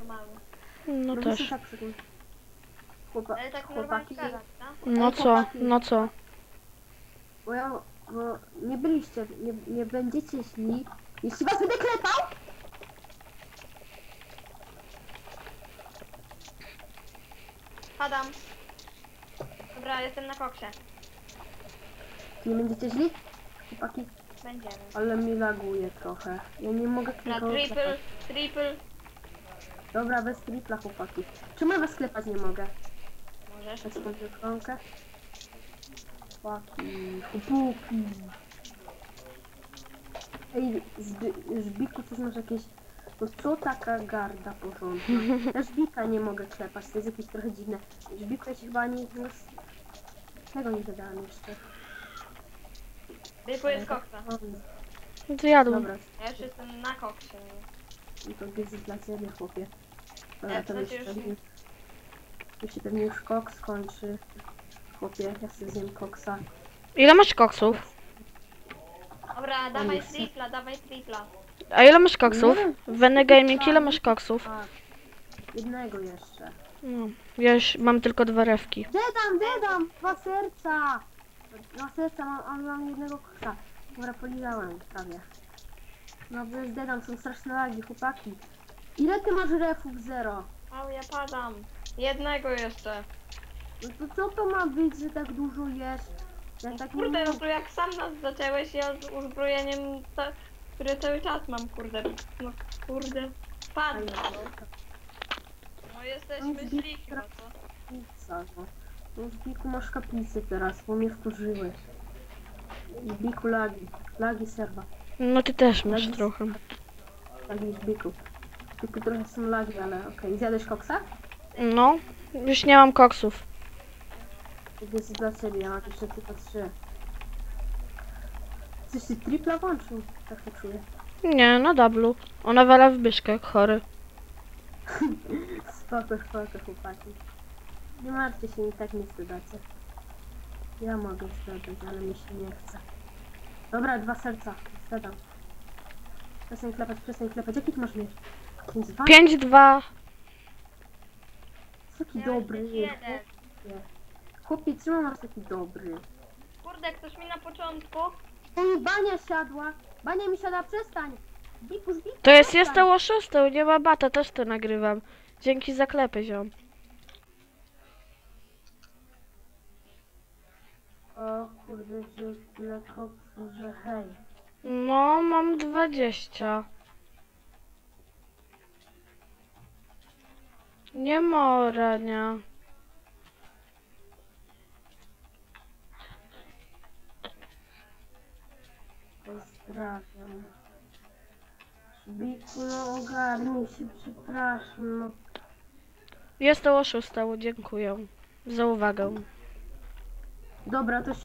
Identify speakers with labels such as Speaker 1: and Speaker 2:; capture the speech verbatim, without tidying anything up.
Speaker 1: normalnie.
Speaker 2: No
Speaker 3: No
Speaker 2: też.
Speaker 3: też. Tak sobie. Chłopa,
Speaker 1: Ale tak
Speaker 3: chłopaki,
Speaker 1: normalnie gadać, tak?
Speaker 2: No
Speaker 3: Ej,
Speaker 2: co?
Speaker 3: chłopaki.
Speaker 2: No co?
Speaker 3: bo ja, bo nie byliście, nie, nie będziecie szli, jeśli was będę klepał,
Speaker 1: Padam. Dobra, jestem na koksie.
Speaker 3: nie będziecie szli, chłopaki,
Speaker 1: Będziemy.
Speaker 3: ale mi laguje trochę, ja nie mogę
Speaker 1: Na
Speaker 3: nikogo
Speaker 1: triple,
Speaker 3: klepać.
Speaker 1: triple.
Speaker 3: Dobra, bez tripla, chłopaki. Czemu ja was klepać nie mogę?
Speaker 1: Możesz.
Speaker 3: Tak sobie kronkę. Chłopaki, chłopaki. Ej, Żbi Żbiku, coś masz jakieś... No co taka garda porządna? Ja Żbika nie mogę klepać, to jest jakieś trochę dziwne. Żbiku, ja ci chyba ani... Tego nie dodałam jeszcze.
Speaker 1: Triple jest koksa.
Speaker 2: No to jadłem.
Speaker 3: Dobra,
Speaker 1: Ja już jestem na koksie.
Speaker 3: no to jest dla ciebie, chłopie. Dobra,
Speaker 1: Jak
Speaker 3: to
Speaker 1: to
Speaker 3: już
Speaker 1: się już
Speaker 3: pewnie... Tu się pewnie już kok skończy. Chłopie, ja sobie zjem koksa.
Speaker 2: Ile masz koksów?
Speaker 1: Dobra, dawaj
Speaker 3: nie chcę.
Speaker 1: tripla, dawaj tripla.
Speaker 2: A ile masz koksów?
Speaker 3: Nie wiem.
Speaker 2: W Veny Gaming ile masz koksów?
Speaker 3: A, jednego jeszcze.
Speaker 2: No, ja już mam tylko dwa rewki.
Speaker 3: Dedam, dedam! Dwa serca! Dwa serca, mam, a mam jednego koksa. Dobra, polizałem prawie. No przecież dedam, są straszne lagi, chłopaki. Ile ty masz refów? Zero.
Speaker 1: O, ja padam. Jednego jeszcze.
Speaker 3: No to co to ma być, że tak dużo jesz? Ja tak nie
Speaker 1: Kurde, no
Speaker 3: mogę.
Speaker 1: to jak sam nas zaczęłeś, ja z uzbrojeniem, ta, które cały czas mam, kurde. No kurde. Padł. No jesteśmy
Speaker 3: No,
Speaker 1: źli chyba, co?
Speaker 3: Pizza, no. No Zbiku, masz kaplicę teraz, bo mnie wkurzyłeś. Zbiku, lagi. Lagi serwa.
Speaker 2: No ty też masz
Speaker 3: Lagi-
Speaker 2: trochę.
Speaker 3: Lagi Zbiku. Zbiku trochę są lagi, ale okej. Zjadłeś koksa?
Speaker 2: No, już nie mam koksów.
Speaker 3: To jest dla ciebie, ja mam jeszcze tylko trzy. Coś ty tripla włączył? Tak to czuję.
Speaker 2: Nie, na dublu. Ona wala w byszkę jak chory.
Speaker 3: Spoko, spoko, chłopaki. Nie martwcie się, i tak nie zdodacie. Ja mogę zdodać, ale mi się nie chce. Dobra, dwa serca. Zdadam. Przestań klepać, przestań klepać. Jaki ty masz mieć? pięć dwa?
Speaker 2: pięć dwa.
Speaker 3: Taki
Speaker 1: Miałeś
Speaker 3: dobry.
Speaker 1: być
Speaker 3: jest.
Speaker 1: jeden.
Speaker 3: Chłopie, czemu masz taki dobry?
Speaker 1: Kurde, ktoś mi na początku.
Speaker 3: To mi bania siadła. Bania mi siada, przestań. Biku, biku,
Speaker 2: To jest
Speaker 3: przestań.
Speaker 2: jestem oszustą, nie ma bata, też to nagrywam. Dzięki za klepy, ziom.
Speaker 3: O kurde, że tyle koksu, że hej.
Speaker 2: No, mam dwadzieścia. Nie ma rania.
Speaker 3: Pozdrawiam. Biku, no ogarnij się, przepraszam. No.
Speaker 2: Jestem oszustą, dziękuję za uwagę.
Speaker 3: Dobra, to